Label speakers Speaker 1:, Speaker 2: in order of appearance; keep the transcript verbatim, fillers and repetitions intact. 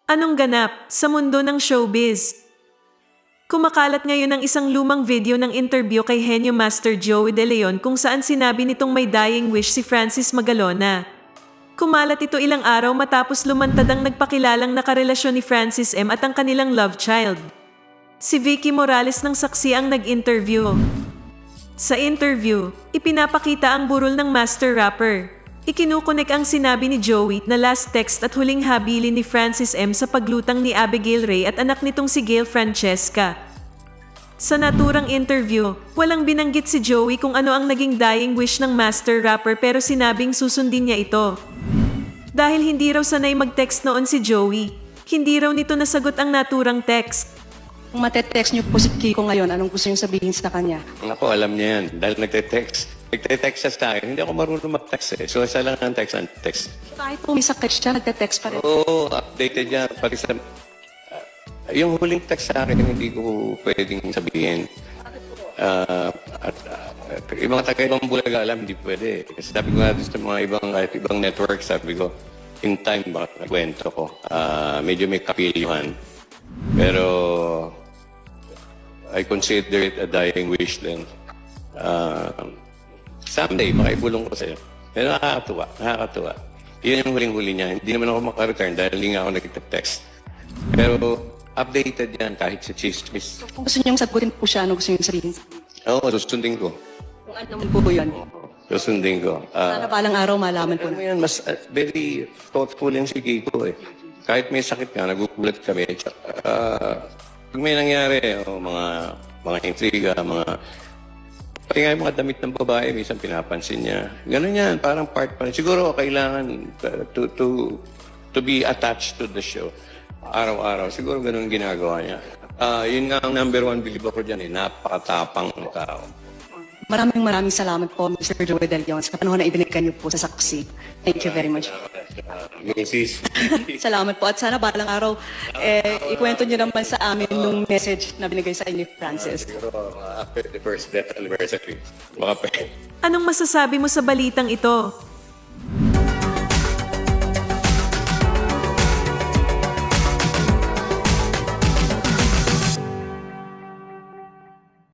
Speaker 1: Anong ganap sa mundo ng showbiz? Kumakalat ngayon ang isang lumang video ng interview kay Henyo Master Joey De Leon kung saan sinabi nitong may dying wish si Francis Magalona. Kumalat ito ilang araw matapos lumantad ang nagpakilalang nakarelasyon ni Francis M at ang kanilang love child. Si Vicky Morales ng saksi ang nag-interview. Sa interview, ipinapakita ang burol ng master rapper. Ikinukunik ang sinabi ni Joey na last text at huling habilin ni Francis M sa paglutang ni Abigail Ray at anak nitong si Gail Francesca. Sa naturang interview, walang binanggit si Joey kung ano ang naging dying wish ng master rapper pero sinabing susundin niya ito. Dahil hindi raw sanay mag-text noon si Joey, hindi raw nito nasagot ang naturang text.
Speaker 2: Kung matetext niyo po si Kiko ngayon, anong gusto niyo sabihin sa kanya?
Speaker 3: Ako, alam niya yan. Dahil nagte-text. Nagte-text siya sa akin. Hindi ako marunong mag-text eh. So, isa lang ang text ang text.
Speaker 2: Kahit po may sakit siya, nagte-text pa rin.
Speaker 3: Oo, updated niya. Pati sa... ah, yung huling text sa akin, hindi ko pwedeng sabihin. Ah, at, ah, at yung mga taga-ibang bulaga alam, hindi pwede. Kasi sabi ko nga doon sa mga ibang, kahit ibang network, sabi ko, in time ba, kwento ko. Ah, medyo may kapilyuhan. Pero, I consider it a dying wish din. Uh, someday, makaibulong ko sa'yo. Pero nakakatuwa, nakakatuwa. Yun yung huling-huli niya. Hindi naman ako makareturn dahil hindi nga ako nag-text. Pero updated yan kahit sa chismis.
Speaker 2: Kung gusto niyong sagutin po siya, ano gusto niyong sabihin?
Speaker 3: Oo, susundin ko.
Speaker 2: Kung ano naman po yun.
Speaker 3: Susundin ko.
Speaker 2: Sana
Speaker 3: Uh,
Speaker 2: balang araw malaman po
Speaker 3: ano
Speaker 2: na.
Speaker 3: yan, mas uh, very thoughtful yung si Kiko eh. Kahit may sakit ka, nagugulat kami. Uh, pag may nangyari, oh, mga mga intriga, mga... Pati nga yung mga damit ng babae, minsan pinapansin niya. Ganun yan, parang part pa rin. Siguro kailangan uh, to, to, to be attached to the show. Araw-araw, siguro ganun ginagawa niya. Uh, yun nga ang number one believe ako dyan eh, napakatapang ng tao.
Speaker 2: Maraming maraming salamat po, Mister Joey De Leon, sa panahon na ibinigay niyo po sa saksi. Thank you very much.
Speaker 3: Uh, Missus
Speaker 2: Salamat po. At sana balang araw, eh, ikwento niyo naman sa amin nung message na binigay sa inyo ni Francis.
Speaker 3: Siguro uh, after the first death anniversary, baka pwede.
Speaker 1: Anong masasabi mo sa balitang ito?